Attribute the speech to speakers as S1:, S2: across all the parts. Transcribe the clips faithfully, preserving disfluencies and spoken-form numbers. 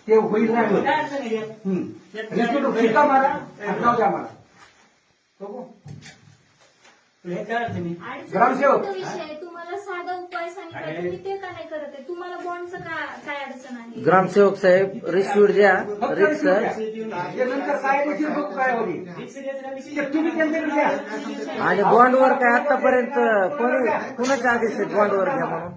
S1: ते होईल नाही होईल. हम्म. रिसिप्ट शिक्का मारा आणि जाऊ द्या मला. बघू. ग्रामसेवक
S2: विषय तुम्हाला साधा उपाय सांगितला तुम्ही ते का नाही करत आहे? तुम्हाला बॉन्डचं काय अडचण आहे?
S3: ग्रामसेवक साहेब रिसिप्ट द्या
S1: फक्त
S3: रिक्स
S1: रिसिप्ट द्या. त्यानंतर काय रिसिप्ट बघू काय होईल ते तुम्ही त्यांच्याकडे द्या.
S3: आणि बॉन्डवर काय आतापर्यंत कोणी कुणाचे आदेश आहेत बॉन्डवर घ्या म्हणून?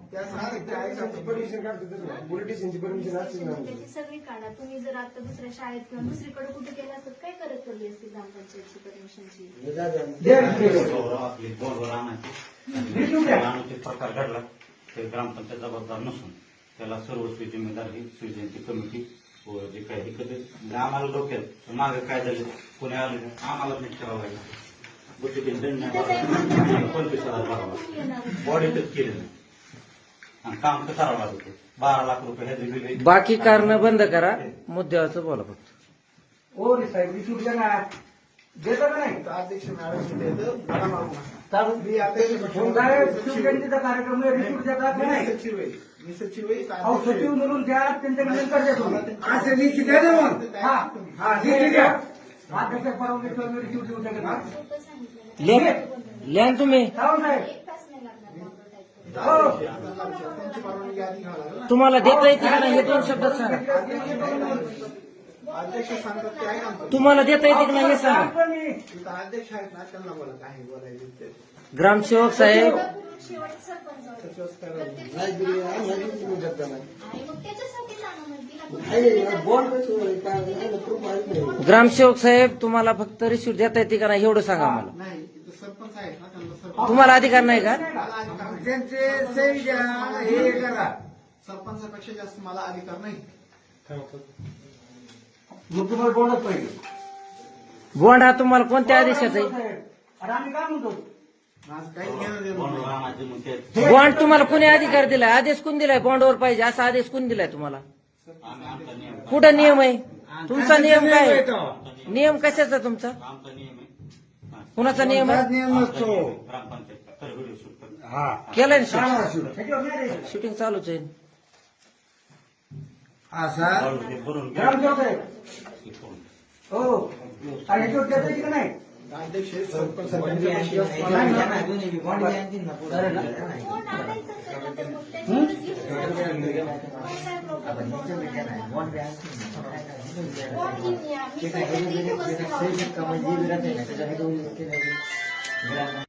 S2: त्याची सगळी काढा. तुम्ही जर आता दुसऱ्या शाळेत किंवा दुसरीकडे कुठे केलं असत काय करत पडली असती ग्रामपंचायतची परमिशनची?
S1: द्या रिसिप्ट.
S4: आपली बोर्डवर आणायची आणायचे प्रकार घडला ते ग्रामपंचायत जबाबदार नसून त्याला सर्वस्वी जिम्मेदार ही शिवजयंती कमिटी व जे काही हे कधी म्हणजे आम्हाला डोक्यात मागे काय झाले कोणी आले आम्हाला नीट करावं लागेल बुद्धिबीन दंड नाही भरावा पंचवीस हजार भरावा बॉडी टच केली नाही आणि काम तर करावं लागत होतं. बारा लाख रुपये ह्याचे बिल
S3: बाकी कारण बंद करा मुद्द्याचं बोला फक्त.
S1: ओ रे साहेब रिसिप्ट द्या ना. देतो का नाही?
S5: अध्यक्ष मॅडम
S1: चालू शिवजयंतीचा कार्यक्रम आहे. रिसिप्ट देतात का नाही?
S5: मी सचिव आहे.
S1: अहो सचिव म्हणून द्या त्यांच्याकडे नंतर देतो.
S5: असं लिखी द्या ना मग.
S1: हा हा लिखी द्या. अध्यक्ष परवानगी मी रिसिप्ट देऊ शकत नाही.
S2: सोपं सांगितलं
S3: लिहा लिहा ना तुम्ही.
S1: जाऊ साहेब.
S2: एक तास नाही लागणार बॉन्ड
S1: हो.
S5: त्यांची परवानगी आधी घ्यावं लागेल ना.
S3: तुम्हाला देता येते का नाही हे दोन शब्दात सांगा.
S5: अध्यक्ष सांगतात ते आहे आमचं.
S3: तुम्हाला देता येते का नाही हे सांगा.
S1: सांगतो मी.
S5: इथं अध्यक्ष आहेत ना त्यांना बोला काय बोलायचं ते.
S3: ग्रामसेवक साहेब
S2: शेवट सरपंच
S5: सचिवच करावं.
S2: आणि मग त्याच्यासाठी सांगा म्हणते
S3: ग्रामसेवक साहेब तुम्हाला फक्त रिसिप्ट देता येते का नाही एवढं सांगा मला.
S5: नाही इथं सरपंच आहेत ना त्यांना सरपंच
S3: तुम्हाला अधिकार नाही का?
S5: त्यांचे सही द्या हे करा. सरपंचापेक्षा जास्त मला अधिकार नाही.
S1: मग तुम्हाला बोलत पाहिजे.
S3: बॉन्ड हा तुम्हाला कोणत्या आदेशाचा आहे?
S1: अरे आम्ही काय म्हणतो?
S5: माझं काही घेणं देणं
S4: बोर्डवर
S5: नाही.
S4: आणायचे मग ते
S3: बॉन्ड तुम्हाला कोणी अधिकार दिलाय? आदेश कोण दिलाय बॉन्डवर पाहिजे असा आदेश कोण दिलाय तुम्हाला?
S4: आम्ही आमचा नियम
S3: कुठं नियम आहे तुमचा? नियम काय आहे? नियम कशाचा तुमचा?
S4: आमचा नियम आहे हा.
S3: कुणाचा नियम आहे?
S4: ग्रामपंचायत तर व्हिडिओ शूट करतो.
S3: केलाय ना
S1: ह्याच्यावर नाही रे.
S3: शूटिंग चालूच आहे.
S5: असा
S4: बरोबर ते भरून घ्या.
S1: ग्रामसेवक साहेब.
S4: हे करून.
S1: हो. आणि ह्याच्यावर देता येईल का नाही?
S5: अध्यक्ष आहेत, सरपंच सरपंचापेक्षा जास्त मला
S1: नाही,
S5: अधिकार
S1: नाही.
S5: नाही.
S2: बॉन्ड आणायचं असेल ना तर मग त्याच्यावरच घेऊन या. काय प्रॉब्लेम बॉन्ड घेऊन या. मी फक्त इथे बसते.